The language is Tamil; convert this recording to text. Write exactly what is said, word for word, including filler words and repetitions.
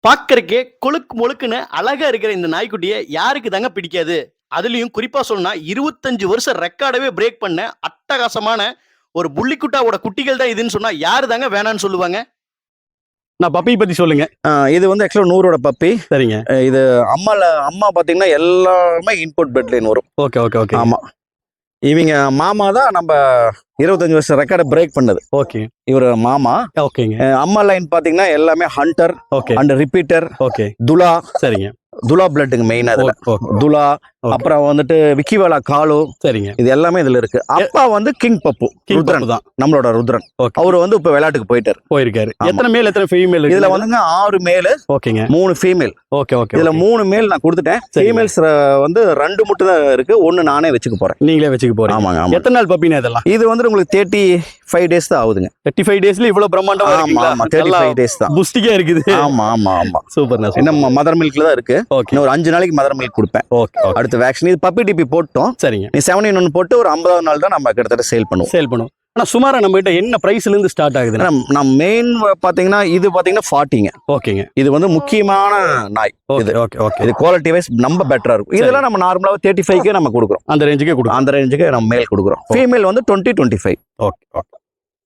பார்க்கறக்கே கொழுக்கு மொழுக்குன்னு அழகா இருக்கிற இந்த நாய்க்குட்டிய யாருக்கு தாங்க பிடிக்காது? அதுலயும் குறிப்பா சொல்லணும்னா இருபத்தி ஐந்து வருஷம் ரெக்கார்டவே பிரேக் பண்ண அட்டகாசமான ஒரு புள்ளிக்குட்டாவோட குட்டிகள் தான் இதுன்னு சொன்னா யாரு தாங்க வேணான்னு சொல்லுவாங்க? நான் பப்பி பத்தி சொல்லுங்க. ஆ, இது வந்து ஆக்சுவலாக நூறோட பப்பி. சரிங்க. அஹ் இது அம்மால அம்மா பார்த்தீங்கன்னா எல்லாமே இன்புட் பெட் லைன் வரும். Okay, okay, okay. ஆமா, இவங்க மாமா தான் நம்ம இருபத்தஞ்சு வருஷம் ரெக்கார்டை பிரேக் பண்ணது. ஓகே. இவர் மாமா. ஓகேங்க. அஹ் அம்மா லைன் பார்த்தீங்கன்னா எல்லாமே hunter okay. And repeater, okay. துலா. சரிங்க. துலா பிளட்டுங்க மெயின் அதுல. ஓ- ஓ- துலா, ஓகே. அப்புறம் வந்துட்டு விக்கிவேலா காலு, சரிங்க. இது எல்லாமே இதுல இருக்கு. அப்பா வந்து கிங் பப்பு, கிங் ருத்ரன் பப்பு தான். நம்மளோட ருத்ரன். ஓகே. அவரு வந்து இப்ப விளையாட்டுக்கு போயிட்டாரு. போயிருக்காரு. ஆமா. எத்தனை மேல் எத்தனை ஃபீமேல் இதுல வந்துங்க ஆறு மேலு ஓகேங்க. மூணு ஃபீமேல். Okay, okay. இதுல மூணு மேல் நான் கொடுத்துட்டேன். சரிங்க. ஃபீமேல்ஸ் வந்து ரெண்டு மட்டும் தான் இருக்கு, ஒன்னு நானே வச்சுக்க போறேன். நீங்களே வச்சுக்க போறீங்க. ஆமாங்க, ஆமா. எத்தனை நாள் பப்பினா இதெல்லாம்? இது வந்து உங்களுக்கு தேர்ட்டி ஃபைவ் டேஸ் தான் ஆகுதுங்க. முப்பத்தி ஐந்து டேஸ்ல இவ்வளவு பிரம்மாண்டமா ஆமா, இருக்குங்களா? ஆமா, தேர்ட்டி ஃபைவ் டேஸ் தான். புஸ்டிக்கா இருக்குது. ஆமா, ஆமா, ஆமா. சூப்பர்ண்ணா. என்ன மதர் மில்க்ல தான் இருக்கு. ஓகே. இன்னும் ஒரு அஞ்சு நாளைக்கு மதர் மில்க் கொடுப்பேன். Okay, okay. அடுத்த வேக்சின் இது பப்பி டிபி போட்டோம். சரிங்க. நீ செவன் ஒன் போட்டு ஒரு ஐம்பதாவது நாள் தான் நம்ம கிட்டத்தட்ட சேல் பண்ணுவோம். சேல் பண்ணுவோம். ஆனா சுமாரா நம்ம கிட்ட என்ன பிரைஸ்ல இருந்து ஸ்டார்ட் ஆகுது? ஆனா, நான் மெயின் பாத்தீங்கன்னா இது பாத்தீங்கன்னா ஃபார்ட்டிங்க. ஓகேங்க. இது வந்து முக்கியமான நாய். இது ஓகே, ஓகே, ஓகே. இது குவாலிட்டி வைஸ் நம்ம பெட்டரா இருக்கும். இதெல்லாம் நம்ம நார்மலா தேர்ட்டி ஃபைவ்க்கே நம்ம கொடுக்குறோம். அந்த ரேஞ்சுக்கே கொடுக்கும். அந்த ரேஞ்சுக்கு நம்ம மேல் கொடுக்குறோம். ஃபீமேல் வந்து twenty twenty five. Okay, okay.